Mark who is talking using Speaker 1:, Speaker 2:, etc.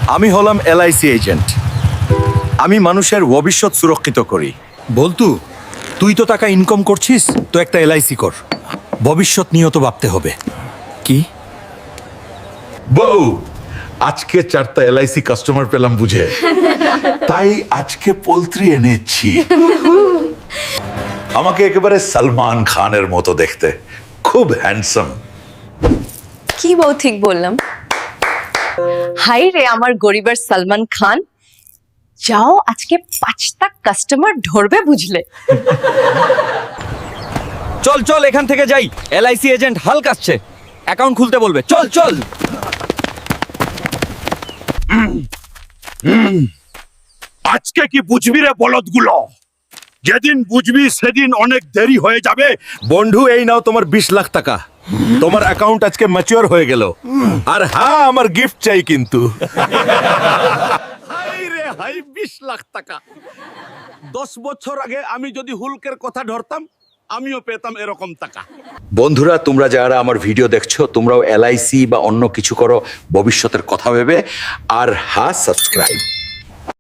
Speaker 1: আমি হলাম LIC agent. আমি মানুষের ভবিষ্যৎ সুরক্ষিত করি। বলতু, তুই তো টাকা ইনকাম করছিস, তো একটা এলআইসি কর। ভবিষ্যৎ নিয়ে তো ভাবতে হবে। কি
Speaker 2: বউ, আজকে 4টা এলআইসি কাস্টমার পেলাম বুঝে, তাই আজকে পোল্ট্রি এনেছি। আমাকে একেবারে সলমান খানের মতো দেখতে, খুব হ্যান্ডসাম।
Speaker 3: কি বউ ঠিক বললাম? হাই রে আমার গরিবের সলমান খান, যাও আজকে 5টা কাস্টমার ধরবে বুঝলে।
Speaker 4: চল চল এখান থেকে যাই, এলআইসি এজেন্ট হাল কাচ্ছে, অ্যাকাউন্ট খুলতে বলবে। চল চল।
Speaker 2: আজকে কি বুঝবি রে বলদগুলো? যেদিন বুঝবি সেদিন অনেক দেরি হয়ে যাবে।
Speaker 1: বন্ধু, এই নাও তোমার 20 লাখ টাকা। তোমার অ্যাকাউন্ট আজকে ম্যাচিওর হয়ে গেল। আর হ্যাঁ, আমার গিফট চাই কিন্তু।
Speaker 5: হাই রে হাই, 20 লাখ টাকা। 10 বছর আগে আমি যদি হুলকের কথা ধরতাম, আমিও পেতাম এরকম টাকা।
Speaker 2: বন্ধুরা, তোমরা যারা আমার ভিডিও দেখছো, তোমরাও এলআইসি বা অন্য কিছু করো ভবিষ্যতের কথা ভেবে। আর হ্যাঁ, সাবস্ক্রাইব।